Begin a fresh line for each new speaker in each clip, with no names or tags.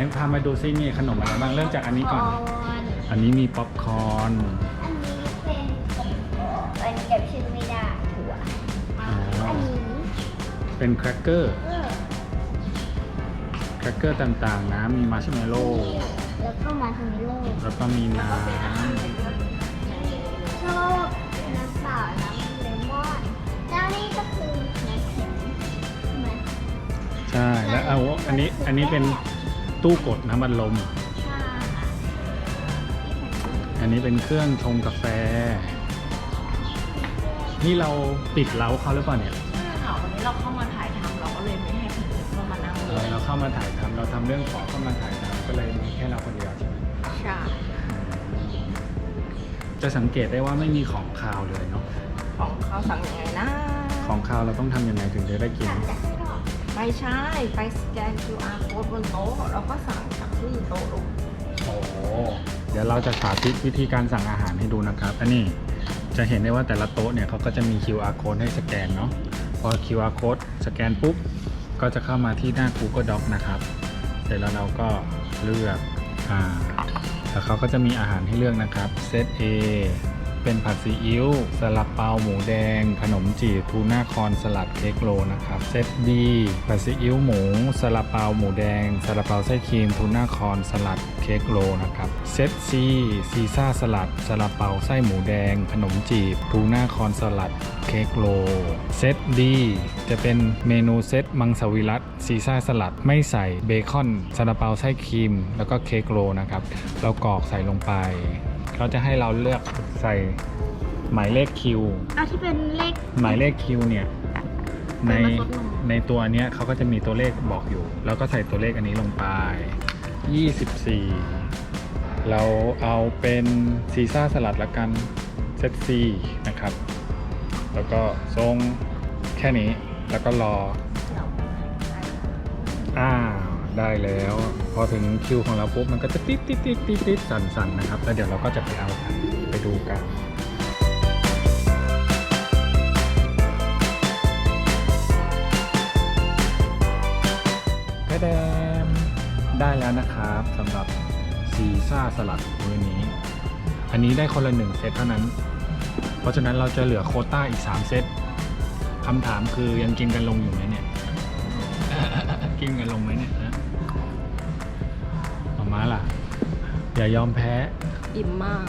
พามาดูซิมีขนมอะไรบ้างเริ่มจากอันนี้ก่อน อันนี้มีป๊อปคอร์น
อันนี้เป็นอันนี้เก็บชื่อไม่ได้ถั่ว
อ๋อ
อันนี้
เป็นแครกเกอร์ต่างๆนะมีมาร์ชเมลโล่
แล้วก็มาทำให้โลก
แล้วก็มีน้
ชอบน้ำเปล่าน้ำเลมอนแล้วนี่ก็คือน้ำแข็งใช่ไหม
ำใช่แล้วเอาอันนี้เป็นตู้กดน้ำอัดลม
ใช่ค่ะ
อันนี้เป็นเครื่องชงกาแฟ นี่เราปิดเล้าเขาหรือเปล่าเนี่ย
ใช่ค่ะวันนี้เราเข้ามาถ่ายทำเราก็เลยไม่ให้คนอื่นเข้ามานั่งเลย
เราเข้ามาถ่ายทำเราทำเรื่องขอเข้ามาถ่ายทำก็เลยมีแค่เราคนเดียวใช่ไหม
ใช่
จะสังเกตได้ว่าไม่มีของคาวเลยเนาะ
ของเขาสั่งยังไงนะ
ของคาวเราต้องทำยังไงถึงจะได้กิน
ไม่ใช่ไปสแกน QR code บนโต๊ะแล้วก็สั่งจากที่โต๊ะลูก
โอ้โหเดี๋ยวเราจะสาธิตวิธีการสั่งอาหารให้ดูนะครับ อันนี้จะเห็นได้ว่าแต่ละโต๊ะเนี่ยเขาก็จะมี QR code ให้สแกนเนาะ พอ QR code สแกนปุ๊บ ก็จะเข้ามาที่หน้า Google Doc นะครับ เสร็จแล้วเราก็เลือกแล้วเขาก็จะมีอาหารให้เลือกนะครับเซต A เป็นผัดซีอิ๊วซาลาเปาหมูแดง ขนมจีบทูน่าคอนสลัดเค้กโรลนะครับเซต B ผัดซีอิ๊วหมูซาลาเปาหมูแดงซาลาเปาไส้ครีมทูน่าคอนสลัดเค้กโรลนะครับเซต C ซีซ่าสลัดซาลาเปาไส้หมูแดง ขนมจีบทูน่าคอนสลัดเค้กโรลเซต D จะเป็นเมนูเซตมังสวิรัติซีซ่าสลัดไม่ใส่เบคอนซาลาเปาไส้ครีมแล้วก็เค้กโรลนะครับเรากรอกใส่ลงไปเขาจะให้เราเลือกใส่หมายเลขคิว
ที่เป็นเลข
หมายเลขคิวเนี่ยในตัวเนี้ยเขาก็จะมีตัวเลขบอกอยู่ แล้วก็ใส่ตัวเลขอันนี้ลงไป 24 เราเอาเป็นซีซ่าสลัดละกันเซตซีนะครับ แล้วก็ทรงแค่นี้แล้วก็รอได้แล้ว พอถึงคิวของเราปุ๊บมันก็จะติดสั่นนะครับแล้วเดี๋ยวเราก็จะไปเอากันไปดูกันแดมได้แล้วนะครับสำหรับซีซ่าสลัดมื้อนี้อันนี้ได้คนละ1เซตเท่านั้นเพราะฉะนั้นเราจะเหลือโควต้าอีก3เซตคำถามคือยังกินกันลงอยู่ไหมเนี่ย กินกันลงไหมเนี่ยนะมาล่ะอย่ายอมแพ้
อิ่มมาก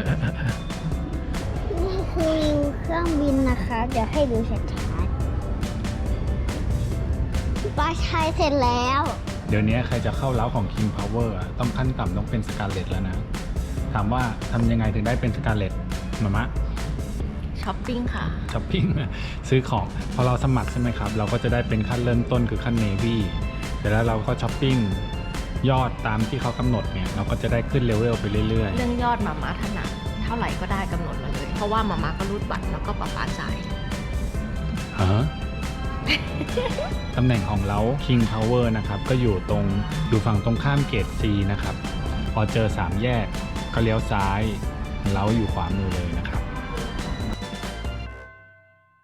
นี่คือวิวเครื่องบินนะคะ เดี๋ยวให้ดูชัดๆป้าใช้เสร็จแล้ว
เดี๋ยวนี้ใครจะเข้าเล้าของ King Power อะต้องขั้นต่ำต้องเป็นสกาเลตแล้วนะ ถามว่าทำยังไงถึงได้เป็นสกาเลตมามะ
ช้อปปิ้งค่ะ
ช้อปปิ้ง ซื้อของพอเราสมัครใช่ไหมครับ เราก็จะได้เป็นขั้นเริ่มต้นคือขั้น Navy เสร็จแล้วเราก็ช้อปปิ้งยอดตามที่เขากำหนดเนี่ยเราก็จะได้ขึ้นเลเวลไปเรื่อย
เรื่องยอดมาม่าถนัดเท่าไหร่ก็ได้กำหนดมาเลย เพราะว่ามาม่าก็รูดบัตรแล้วก็ป๊าจ่าย
ๆฮะ ตำแหน่งของเรา King Power นะครับก็อยู่ฝั่งตรงข้ามเกต C นะครับพอเจอ3แยกก็เลี้ยวซ้ายเราอยู่ขวามือเลยนะครับ